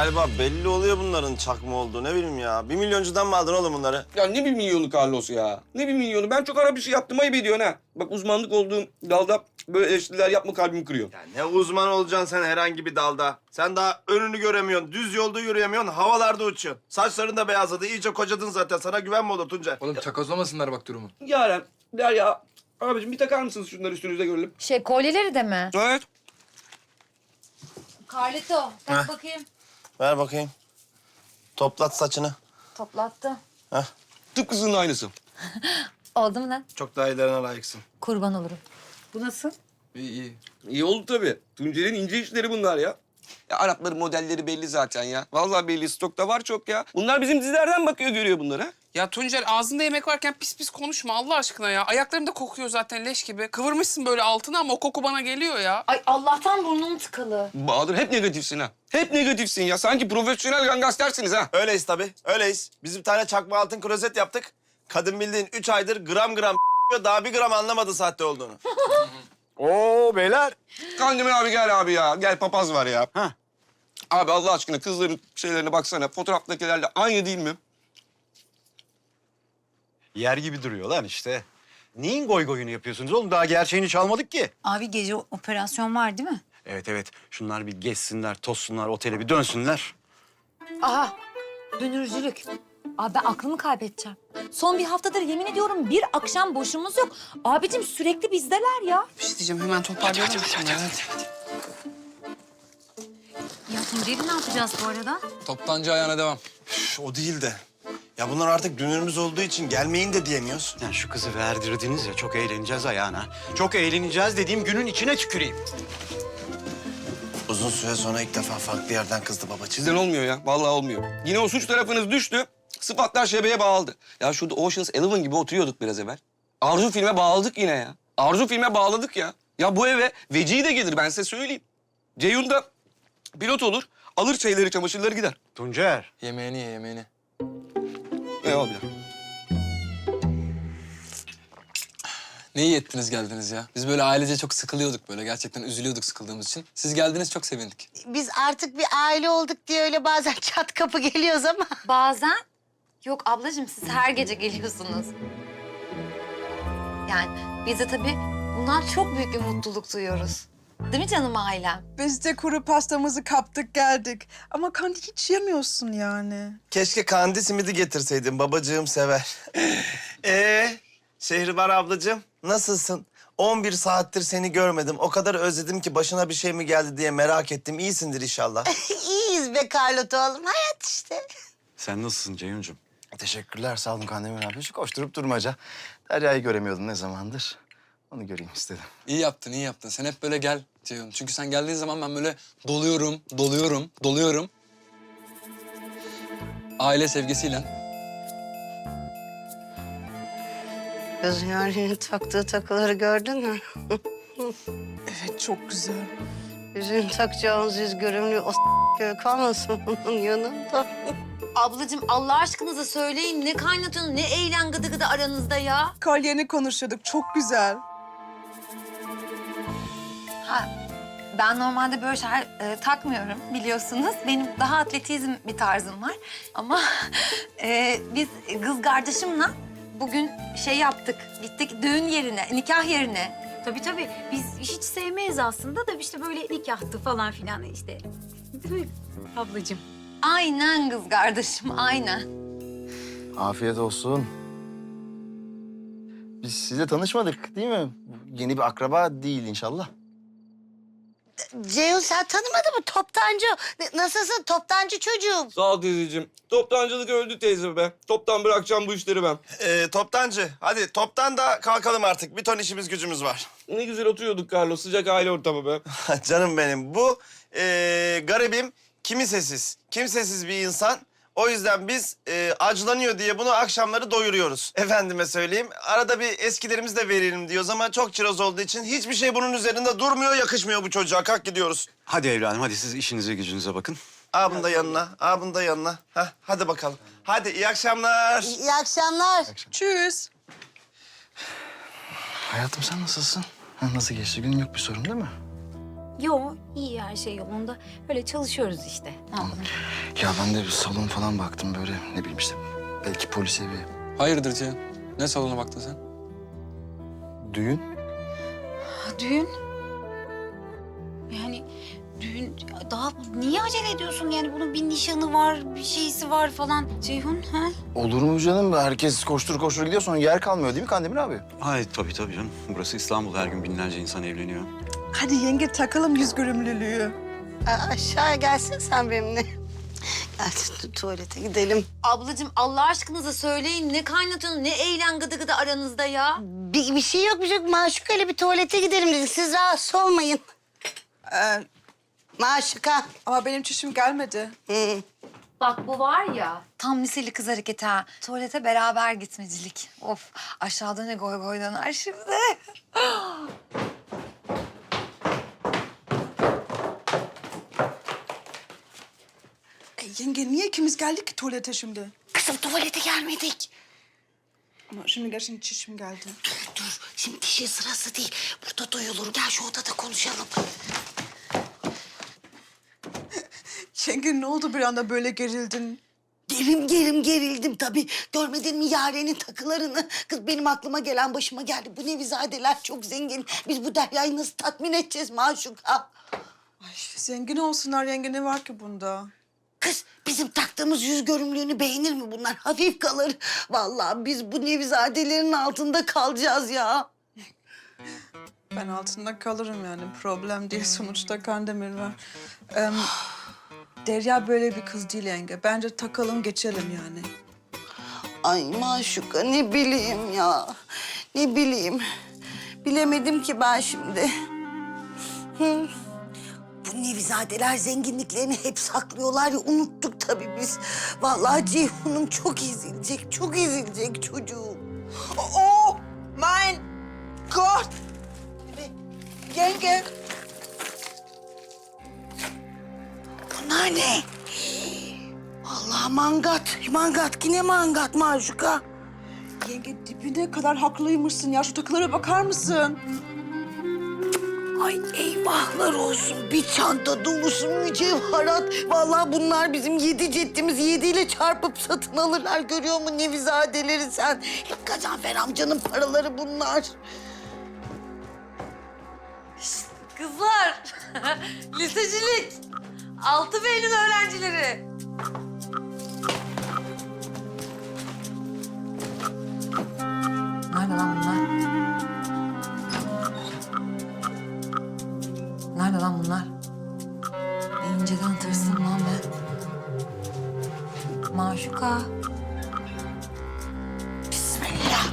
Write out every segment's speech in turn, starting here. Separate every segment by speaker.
Speaker 1: galiba belli oluyor bunların çakma olduğu. Ne bileyim ya. 1 milyoncudan mı aldın oğlum bunları?
Speaker 2: Ya ne 1 milyonu Carlos ya? Ne 1 milyonu? Ben çok ara bir şey yaptım, ayıp ediyorsun ha. Bak uzmanlık olduğum dalda böyle eleştiriler yapma, kalbimi kırıyor.
Speaker 1: Ya ne uzman olacaksın sen herhangi bir dalda. Sen daha önünü göremiyorsun, düz yolda yürüyemiyorsun, havalarda uçuyorsun. Saçların da beyazladı, iyice kocadın zaten. Sana güven mi olur Tuncay?
Speaker 3: Oğlum çakozlamasınlar bak durumu.
Speaker 2: Yaren, Derya, abicim bir takar mısınız şunları üstünüze görelim?
Speaker 4: Kolyeleri de mi?
Speaker 2: Evet.
Speaker 4: Carlito, tak
Speaker 1: Heh.
Speaker 4: bakayım.
Speaker 1: Ver bakayım. Toplat saçını.
Speaker 4: Toplattı.
Speaker 1: Heh.
Speaker 2: Tıpkısının aynısı.
Speaker 4: Oldu mu lan?
Speaker 1: Çok daha iyilerine layıksın.
Speaker 4: Kurban olurum. Bu nasıl?
Speaker 3: İyi iyi.
Speaker 2: İyi oldu tabii. Tuncay'ın ince işleri bunlar ya. Ya Arapların modelleri belli zaten ya. Vallahi belli, stokta var çok ya. Bunlar bizim dizilerden bakıyor, görüyor bunları.
Speaker 5: Ya Tuncer ağzında yemek varken pis pis konuşma Allah aşkına ya. Ayaklarım da kokuyor zaten leş gibi. Kıvırmışsın böyle altına ama o koku bana geliyor ya.
Speaker 4: Ay Allah'tan burnum tıkalı.
Speaker 2: Bahadır hep negatifsin ha. Hep negatifsin ya. Sanki profesyonel gangstersiniz ha.
Speaker 1: Öyleyiz tabii, öyleyiz. Biz bir tane çakma altın klozet yaptık. Kadın bildiğin 3 aydır gram gram daha 1 gram anlamadı sahte olduğunu.
Speaker 6: Oo beyler.
Speaker 2: Kandemir abi gel abi ya. Gel papaz var ya.
Speaker 6: Hah.
Speaker 2: Abi Allah aşkına kızların şeylerine baksana. Fotoğraftakilerle aynı değil mi?
Speaker 6: Yer gibi duruyor lan işte. Neyin goy goyunu yapıyorsunuz oğlum? Daha gerçeğini çalmadık ki.
Speaker 7: Abi gece operasyon var değil mi?
Speaker 6: Evet evet. Şunlar bir gezsinler, tozsunlar, otele bir dönsünler.
Speaker 4: Aha, dönürcülük. Abi ben aklımı kaybedeceğim. Son bir haftadır yemin ediyorum bir akşam boşumuz yok. Abicim sürekli bizdeler ya.
Speaker 5: Bir şey diyeceğim hemen toparlayalım. Hadi.
Speaker 7: Ya Tuncer'i ne yapacağız bu arada?
Speaker 3: Toptancı ayağına devam.
Speaker 1: Üf, o değil de. Ya bunlar artık dünürümüz olduğu için gelmeyin de diyemiyoruz.
Speaker 6: Yani şu kızı verdirdiniz ya, çok eğleneceğiz ayağına. Çok eğleneceğiz dediğim günün içine tüküreyim.
Speaker 1: Uzun süre sonra ilk defa farklı yerden kızdı babacığım.
Speaker 2: Sizden olmuyor ya. Vallahi olmuyor. Yine o suç tarafınız düştü. Sıfatlar şebeye bağladı. Ya şurada Ocean's Eleven gibi oturuyorduk biraz evvel. Arzu filme bağladık yine ya. Arzu filme bağladık ya. Ya bu eve Vecihi de gelir ben size söyleyeyim. Ceyhun da pilot olur. Alır şeyleri, çamaşırları gider.
Speaker 6: Tuncer.
Speaker 3: Yemeğini ye yemeğini.
Speaker 2: Eyvallah.
Speaker 3: Ne iyi ettiniz geldiniz ya. Biz böyle ailece çok sıkılıyorduk böyle. Gerçekten üzülüyorduk sıkıldığımız için. Siz geldiniz çok sevindik.
Speaker 8: Biz artık bir aile olduk diye öyle bazen çat kapı geliyoruz ama.
Speaker 4: Bazen. Yok ablacığım siz her gece geliyorsunuz. Yani biz de tabii bundan çok büyük bir mutluluk duyuyoruz. Değil mi canım ailem?
Speaker 9: Biz de kuru pastamızı kaptık geldik. Ama kandi hiç yemiyorsun yani.
Speaker 1: Keşke kandi simidi getirseydin, babacığım sever. Şehribar ablacığım, nasılsın? 11 saattir seni görmedim. O kadar özledim ki başına bir şey mi geldi diye merak ettim. İyisindir inşallah.
Speaker 8: İyiyiz be Carlota oğlum, hayat işte.
Speaker 6: Sen nasılsın Ceyhuncuğum?
Speaker 10: Teşekkürler, sağ olun Kandemir abi. Şu koşturup durmaca. Derya'yı göremiyordum ne zamandır. Onu göreyim istedim.
Speaker 3: İyi yaptın, iyi yaptın. Sen hep böyle gel Ceyhun. Çünkü sen geldiğin zaman ben böyle doluyorum. Aile sevgisiyle.
Speaker 8: Kız Yaren'in taktığı takıları gördün mü?
Speaker 9: Evet çok güzel.
Speaker 8: Yüzüğün takacağımız yüz görümlü o kalmasın onun yanında.
Speaker 4: Ablacığım Allah aşkınıza söyleyin ne kaynatıyorsunuz, ne eğlen gıdı gıdı aranızda ya.
Speaker 9: Kolyeni konuşuyorduk çok güzel.
Speaker 4: Ha, ben normalde böyle şeyler takmıyorum biliyorsunuz. Benim daha atletizm bir tarzım var. Ama biz kız kardeşimle bugün şey yaptık. Gittik düğün yerine, nikah yerine.
Speaker 7: Tabii. Biz hiç sevmeyiz aslında da işte böyle nikahtı falan filan işte. Değil mi ablacığım?
Speaker 4: Aynen kız kardeşim, aynen.
Speaker 10: Afiyet olsun. Biz sizle tanışmadık değil mi? Yeni bir akraba değil inşallah.
Speaker 8: Ceyhun sen tanımadın mı? Toptancı. Nasılsın toptancı çocuğum?
Speaker 2: Sağ ol teyzeciğim. Toptancılık öldü teyze be. Toptan bırakacağım bu işleri ben.
Speaker 1: Toptancı, hadi toptan da kalkalım artık. Bir ton işimiz gücümüz var.
Speaker 2: Ne güzel oturuyorduk Carlos. Sıcak aile ortamı be.
Speaker 1: Canım benim, bu garibim kimsesiz bir insan. O yüzden biz acılanıyor diye bunu akşamları doyuruyoruz. Efendime söyleyeyim, arada bir eskilerimiz de verelim diyoruz ama çok çiroz olduğu için hiçbir şey bunun üzerinde durmuyor, yakışmıyor bu çocuğa. Kalk gidiyoruz.
Speaker 6: Hadi evladım, hadi siz işinize gücünüze bakın.
Speaker 1: Bunu da yanına, bunu da yanına. Hah, hadi bakalım. Hadi iyi akşamlar.
Speaker 8: İyi akşamlar.
Speaker 9: Tschüss.
Speaker 10: Hayatım sen nasılsın? Ha, nasıl geçti? Günün yok bir sorun değil mi?
Speaker 7: Yo, iyi her şey yolunda. Böyle çalışıyoruz işte. Ne yapalım?
Speaker 10: Ya ben de bir salon falan baktım böyle ne bileyim işte. Belki polis evi.
Speaker 3: Hayırdır Cihan? Ne salona baktın sen?
Speaker 10: Düğün.
Speaker 7: Düğün? Yani düğün daha niye acele ediyorsun? Yani bunun bir nişanı var, bir şeysi var falan. Ceyhun, ha?
Speaker 10: Olur mu canım? Herkes koştur koştur gidiyor sonra yer kalmıyor değil mi Kandemir abi?
Speaker 6: Ay tabii canım. Burası İstanbul. Her gün binlerce insan evleniyor.
Speaker 9: Hadi yenge takalım yüz görümlülüğü.
Speaker 8: Aşağıya gelsin sen benimle. Gel tuvalete gidelim.
Speaker 4: Ablacığım Allah aşkınıza söyleyin ne kaynatıyorsunuz ne eğlen gıdı gıdı aranızda ya.
Speaker 8: Bir şey yok bir şey yok. Maşuka ile bir tuvalete gidelim dedik. Siz rahatsız olmayın.
Speaker 9: Ee,
Speaker 8: Maşuka.
Speaker 9: ama benim çişim gelmedi.
Speaker 8: Hı.
Speaker 4: Bak bu var ya tam liseli kız hareketi ha. Tuvalete beraber gitmecilik. Of aşağıda ne goy goy döner şimdi.
Speaker 9: Yenge niye ikimiz geldik ki tuvalete şimdi?
Speaker 8: Kızım tuvalete gelmedik.
Speaker 9: Ama şimdi gerçekten çişim geldi.
Speaker 8: Dur şimdi dişin sırası değil. Burada duyulur. Gel şu odada konuşalım.
Speaker 9: Yenge ne oldu bir anda böyle gerildin?
Speaker 8: Gerildim tabii. Görmedin mi Yaren'in takılarını? Kız benim aklıma gelen başıma geldi. Bu Nevizadeler çok zengin. Biz bu Derya'yı nasıl tatmin edeceğiz Maşuka?
Speaker 9: Ay zengin olsunlar yenge ne var ki bunda?
Speaker 8: Kız bizim taktığımız yüz görümlüğünü beğenir mi bunlar? Hafif kalır. Vallahi biz bu Nevizadelerin altında kalacağız ya.
Speaker 9: Ben altında kalırım yani problem değil sonuçta Kandemir var. Derya böyle bir kız değil yenge. Bence takalım geçelim yani.
Speaker 8: Ay Maşuka ne bileyim ya. Ne bileyim. Bilemedim ki ben şimdi. Hı. Bu Nevizadeler zenginliklerini hep saklıyorlar ya unuttuk tabii biz. Vallahi Ceyhun'um çok ezilecek çocuğum.
Speaker 9: Oh mein Gott! Yenge!
Speaker 8: Bunlar ne? Allah mangat yine mangat Maşuka.
Speaker 9: Yenge dibine kadar haklıymışsın ya. Şu takılara bakar mısın?
Speaker 8: Ay eyvahlar olsun. Bir çanta dolusu mücevherat. Vallahi bunlar bizim 7 ceddimiz 7 ile çarpıp satın alırlar. Görüyor musun Nevizadeleri sen? Hep Gazanfer amcanın paraları bunlar.
Speaker 4: Kızlar lisecilik. 6 B'nin öğrencileri. Nerede lan bunlar? Nerede lan bunlar? İnceden tırsın lan ben. Maşuka.
Speaker 8: Bismillah.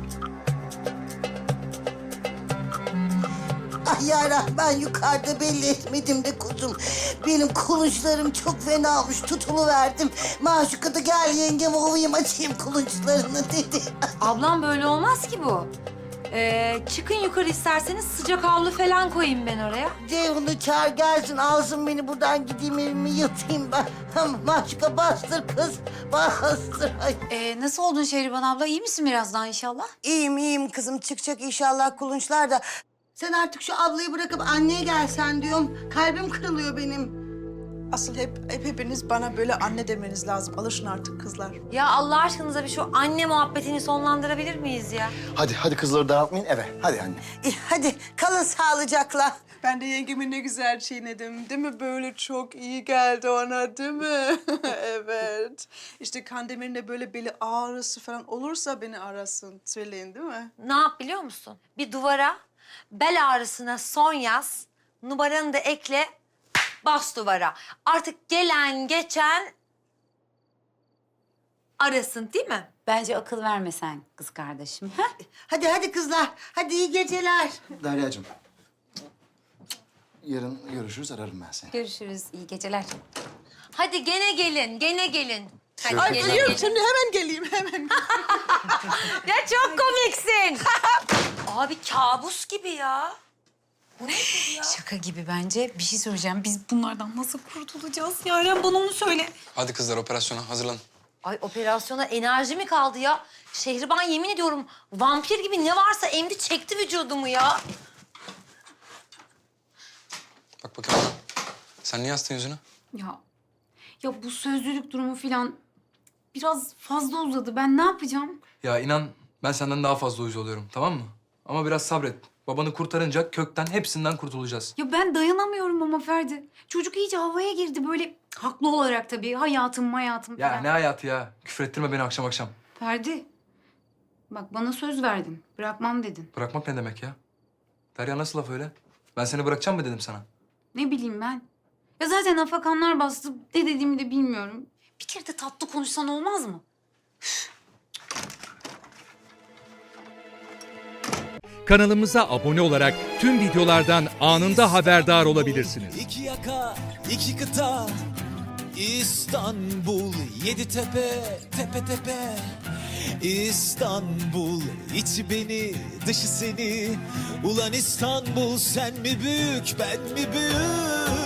Speaker 8: Ay yara ben yukarıda belli etmedim de kuzum. Benim kulunçlarım çok fena olmuş tutuluverdim. Maşuka da gel yengem ovayım açayım kulunçlarını dedi.
Speaker 4: Ablam böyle olmaz ki bu. Çıkın yukarı isterseniz sıcak havlu falan koyayım ben oraya.
Speaker 8: Ceyhun'u çağır gelsin alsın beni buradan gideyim evime yatayım ben. Maşuka bastır kız bastır. Ay.
Speaker 7: Nasıl oldun Şehriban abla? İyi misin biraz daha inşallah?
Speaker 8: İyiyim kızım çıkacak inşallah kulunçlar da. Sen artık şu ablayı bırakıp anneye gelsen diyorum. Kalbim kırılıyor benim.
Speaker 9: Asıl hepiniz bana böyle anne demeniz lazım. Alışın artık kızlar.
Speaker 4: Ya Allah aşkınıza bir şu anne muhabbetini sonlandırabilir miyiz ya?
Speaker 10: Hadi kızları dağıtmayın eve. Hadi anne.
Speaker 8: Hadi kalın sağlıcakla.
Speaker 9: Ben de yengemi ne güzel çiğnedim. Değil mi? Böyle çok iyi geldi ona değil mi? Evet. İşte Kandemir'in de böyle beli ağrısı falan olursa beni arasın. Söyleyin değil mi?
Speaker 4: Ne yap biliyor musun? Bir duvara bel ağrısına son yaz, numaranı da ekle, bas duvara. Artık gelen geçen arasın değil mi?
Speaker 7: Bence akıl verme sen kız kardeşim. Ha?
Speaker 8: Hadi kızlar. Hadi iyi geceler.
Speaker 10: Derya'cığım. Yarın görüşürüz ararım ben seni.
Speaker 7: Görüşürüz. İyi geceler.
Speaker 4: Hadi gene gelin, gene gelin. Hadi
Speaker 9: Ay
Speaker 4: gene
Speaker 9: biliyorum
Speaker 4: gelin.
Speaker 9: şimdi hemen geleyim hemen.
Speaker 4: Ya çok komiksin. Abi kabus gibi ya.
Speaker 7: Şaka gibi bence. Bir şey söyleyeceğim. Biz bunlardan nasıl kurtulacağız? Yaren bana onu söyle.
Speaker 3: Hadi kızlar operasyona hazırlanın.
Speaker 4: Ay operasyona enerji mi kaldı ya? Şehriban yemin ediyorum vampir gibi ne varsa emdi çekti vücudumu ya.
Speaker 3: Bak bakayım bana. Sen niye astın yüzünü?
Speaker 7: Ya bu sözlülük durumu filan biraz fazla uzadı. Ben ne yapacağım?
Speaker 3: Ya inan ben senden daha fazla uyuz oluyorum, tamam mı? Ama biraz sabret. Babanı kurtarınca kökten hepsinden kurtulacağız.
Speaker 7: Ya ben dayanamıyorum ama Ferdi. Çocuk iyice havaya girdi böyle haklı olarak tabii. Hayatım
Speaker 3: Ya
Speaker 7: falan.
Speaker 3: ne hayatı ya? Küfrettirme beni akşam akşam.
Speaker 7: Ferdi, bak bana söz verdin. Bırakmam dedin.
Speaker 3: Bırakmak ne demek ya? Derya nasıl laf öyle? Ben seni bırakacağım mı dedim sana?
Speaker 7: Ne bileyim ben. Ya zaten afakanlar bastı. Ne dediğimi de bilmiyorum. Bir kere de tatlı konuşsan olmaz mı?
Speaker 11: Kanalımıza abone olarak tüm videolardan anında haberdar olabilirsiniz.
Speaker 12: İki yaka, iki kıta, İstanbul, yedi tepe, tepe tepe. İstanbul, içi beni, dışı seni. Ulan İstanbul, sen mi büyük, ben mi büyük?